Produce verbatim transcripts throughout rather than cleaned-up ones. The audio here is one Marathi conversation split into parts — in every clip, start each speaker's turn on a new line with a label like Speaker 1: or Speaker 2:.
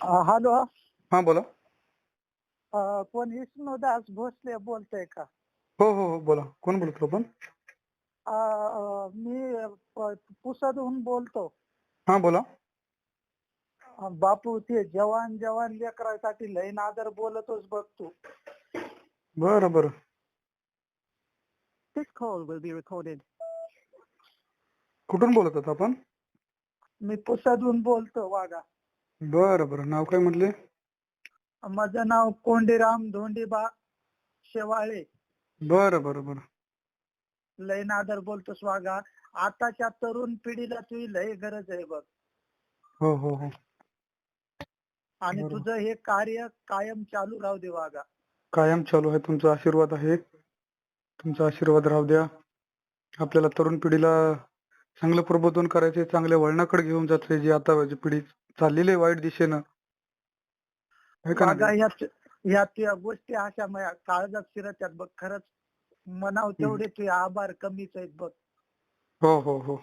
Speaker 1: अ, हॅलो.
Speaker 2: हां, बोला.
Speaker 1: अ, कोण विष्णुदास भोसले बोलतोय का?
Speaker 2: हो, हो, हो. बोला. कोण बोलतो आपण?
Speaker 1: अ, अ, मी प पुसदहून बोलतो.
Speaker 2: हां, बोला.
Speaker 1: अ, बापू ते जवान जवान लेकरासाठी लय नादर बोलतोस बघ तू.
Speaker 2: बरं, बरं.
Speaker 1: This call will be recorded.
Speaker 2: कुठून बोलत आहात आपण?
Speaker 1: मी पुसदहून बोलतो वागा.
Speaker 2: बरं, बरं. नाव काय म्हटले?
Speaker 1: माझं नाव कोंडीराम धोंडीबा शेवाळे.
Speaker 2: बरं, बरं, बरं.
Speaker 1: लय नादर बोलतोस वागा. आताच्या तरुण पिढीला तुझी लय गरज आहे बघ.
Speaker 2: हो, हो, हो.
Speaker 1: आणि
Speaker 2: बरोबर.
Speaker 1: तुझं हे कार्य कायम चालू राहू दे वागा.
Speaker 2: कायम चालू आहे. तुमचा आशीर्वाद आहे. तुमचा आशीर्वाद राहू द्या. आपल्याला तरुण पिढीला चांगलं प्रबोधन करायचंय, चांगल्या वळणाकडे घेऊन जायचंय, जी आता जी पिढी चाललेली आहे वाईट दिशेनं. आहे का
Speaker 1: वागा
Speaker 2: नाही?
Speaker 1: ह्यात ह्यात या गोष्टी अशा माझ्या काळजात शिरत्यात बघ. खरंच म्हणावं
Speaker 2: हं.
Speaker 1: तेवढे तुझे आभार कमीच आहेत बघ.
Speaker 2: हो, हो, हो.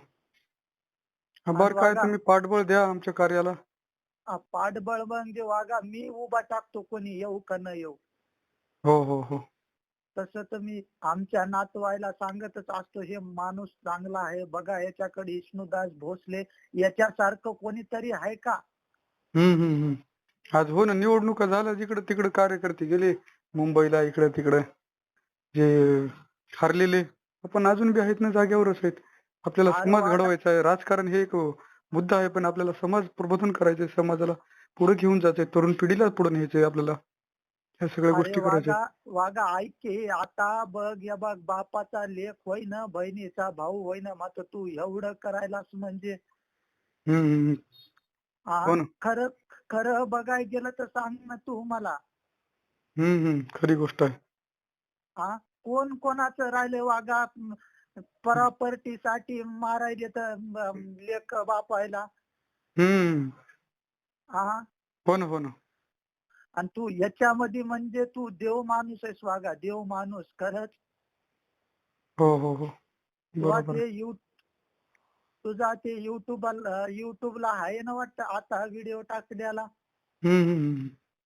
Speaker 1: आणि
Speaker 2: आभार काय,
Speaker 1: वागा
Speaker 2: तुम्ही पाठबळ द्या आमच्या कार्याला.
Speaker 1: अ, पाठबळ म्हणजे वागा मी उभा टाकतो कोणी येऊ का न येऊ.
Speaker 2: हो, हो, हो.
Speaker 1: तसं तर मी आमच्या नातवायला सांगतच असतो, हे माणूस चांगला आहे बघा, याच्याकडे विष्णुदास भोसले याच्यासारखं कोणीतरी आहे का?
Speaker 2: हं, हं, हं. आज हो ना, निवडणुका झाल्या, जिकडं-तिकडं कार्यकर्ते गेले मुंबईला, इकडं-तिकडं. जे हरलेले, पण अजून बी आहेत ना, जागेवरच आहेत. आपल्याला
Speaker 1: अरे
Speaker 2: समाज
Speaker 1: वागा
Speaker 2: घडवायचा आहे. राजकारण हे एक अ, मुद्दा आहे, पण आपल्याला समाज प्रबोधन करायचंय, समाजाला पुढे घेऊन जायचंय, तरुण पिढीला पुढे न्यायचंय आपल्याला. ह्या सगळ्या
Speaker 1: अरे
Speaker 2: गोष्टी करायच्या
Speaker 1: वागा
Speaker 2: आहेत.
Speaker 1: वागा ऐक की आता बघ या बघ बापाचा लेख होय ना बहिणीचा भाऊ होय ना मात्र तू एवढं करायलास म्हणजे
Speaker 2: हं, हं, हं.
Speaker 1: हा
Speaker 2: हो ना.
Speaker 1: खरं खरं बघायला गेलं तर सांग ना तू मला.
Speaker 2: हं, हं. खरी गोष्ट आहे.
Speaker 1: हा कोण कोणाचं राहिले वागा प्रॉपर्टीसाठी मारायले तर म, लेख बापायला.
Speaker 2: हं.
Speaker 1: हा
Speaker 2: हो ना, हो ना.
Speaker 1: आणि तू याच्यामध्ये म्हणजे तू देव माणूस आहेस वागा देव माणूस खरंच.
Speaker 2: हो, हो, हो.
Speaker 1: तुला
Speaker 2: बरोबर आहे.
Speaker 1: ते यू तुझा ते युट्यूबला युट्यूबला आहे ना वाटतं आता व्हिडिओ टाकलेला.
Speaker 2: हं, हं, हं.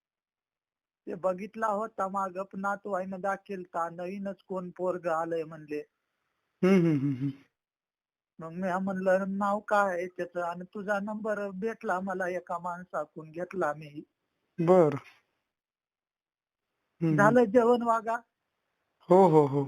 Speaker 1: ते बघितला होता मागं नातू आहे दाखिलता नवीनच कोण पोरग आलंय म्हणले.
Speaker 2: हं, हं, हं, हं.
Speaker 1: मग मी म्हणलं नाव काय आहे त्याचं आणि तुझा नंबर भेटला मला एका माणसाकडून घेतला मी.
Speaker 2: बरं. हं, हं.
Speaker 1: झालं जेवण वागा.
Speaker 2: हो, हो, हो.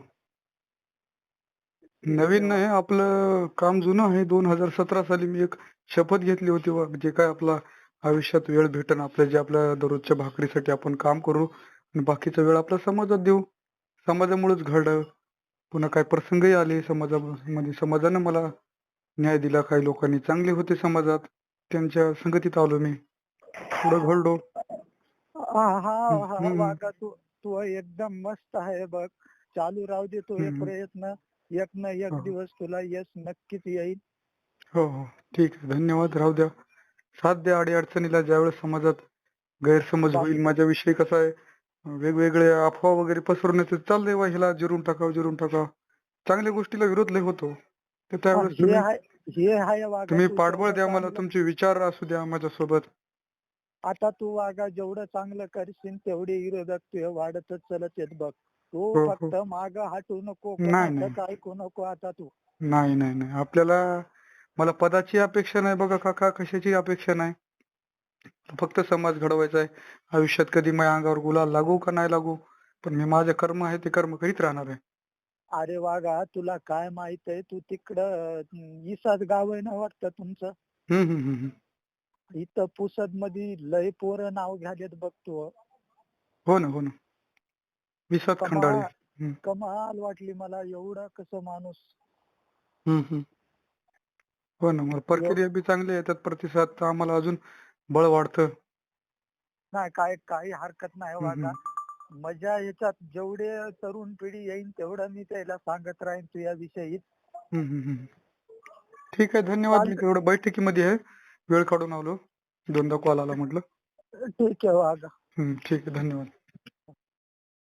Speaker 1: ठीक
Speaker 2: नवीन
Speaker 1: आहे वा.
Speaker 2: नाही, आपलं काम जुनं आहे. दोन हजार सतरा साली मी एक शपथ घेतली होती बघ, जे काय आपला आयुष्यात वेळ भेटेन आपल्या, जे आपल्या दररोजच्या भाकरीसाठी आपण काम करू आणि बाकीचा वेळ आपल्या समाजात देऊ. समाजामुळेच घडलं. पुन्हा काही प्रसंगही आले समाजामध्ये. समाजानं मला न्याय दिला. काही लोकांनी चांगले होते समाजात. त्यांच्या संगतीत आलो मी. पुढं घडलो.
Speaker 1: हा हा
Speaker 2: हं,
Speaker 1: हा
Speaker 2: हं.
Speaker 1: वागा तू तू एकदम मस्त आहे बघ. चालू राहू दे तो हे
Speaker 2: हं, हं.
Speaker 1: प्रयत्न. एक ना
Speaker 2: हो,
Speaker 1: एक
Speaker 2: हो.
Speaker 1: दिवस तुला यश नक्कीच येईल.
Speaker 2: हो, हो. ठीक आहे. धन्यवाद. राहू द्या. साथ द्या अडी-अडचणीला. ज्यावेळेस समाजात गैरसमज
Speaker 1: बा
Speaker 2: होईल माझ्याविषयी, कसं आहे, वेगवेगळे अफवा वगैरे पसरवण्याचं चाललंय बा, ह्याला जिरून टाकावं, जिरून टाकावं. चांगल्या गोष्टीला विरोध लय होतो. तर
Speaker 1: हा,
Speaker 2: त्यावेळेस
Speaker 1: हे
Speaker 2: तुम्ही
Speaker 1: आहे हे आहे वागा
Speaker 2: तुम्ही
Speaker 1: तू
Speaker 2: पाठबळ
Speaker 1: तेवढं
Speaker 2: द्या मला.
Speaker 1: चांगलं.
Speaker 2: तुमचे विचार असू द्या माझ्यासोबत.
Speaker 1: आता तू वागा जेवढं चांगलं करशील तेवढे विरोधक तुझे वाढतच चलत येत बघ. तू
Speaker 2: हो, हो.
Speaker 1: फक्त माग हटू नको
Speaker 2: नाही, नाही.
Speaker 1: कोणाचंच ऐकू नको आता तू.
Speaker 2: नाही, नाही, नाही. आपल्याला मला पदाची अपेक्षा नाही बघा काका, कशाची अपेक्षा नाही. फक्त समाज घडवायचा आहे. आयुष्यात कधी माझ्या अंगावर गुलाल लागू का नाही लागू, पण मी माझे कर्म आहे ते कर्म करीत राहणार आहे.
Speaker 1: अरे वागा तुला काय माहित आहे तू तिकडं अं, इसाच गाव आहे ना वाटतं तुमचं.
Speaker 2: हं, हं, हं, हं.
Speaker 1: इथं पुसद मध्ये लय पोरं नाव घ्यालेत बघ तू.
Speaker 2: हो ना, हो ना. विसात खंडाळी.
Speaker 1: कमाल
Speaker 2: हं,
Speaker 1: कमाल वाटली मला एवढा कसं माणूस.
Speaker 2: हं, हं. हो ना, मग
Speaker 1: एव-
Speaker 2: प्रक्रिया बी चांगली आहे. त्यात प्रतिसाद तर आम्हाला अजून बळ वाढतं.
Speaker 1: नाही काय काही हरकत नाही
Speaker 2: हं,
Speaker 1: वागा.
Speaker 2: हं.
Speaker 1: मजा याच्यात जेवढे तरुण पिढी येईल तेवढं मी त्याला सांगत राहीन तुझ्याविषयी.
Speaker 2: हं, हं, हं. ठीक आहे. धन्यवाद. मी
Speaker 1: चालत
Speaker 2: तेवढं बैठकीमध्ये आहे. वेळ काढून आलो. दोनदा कॉल आला म्हटलं.
Speaker 1: ठीक आहे वागा.
Speaker 2: हं, ठीक आहे. धन्यवाद.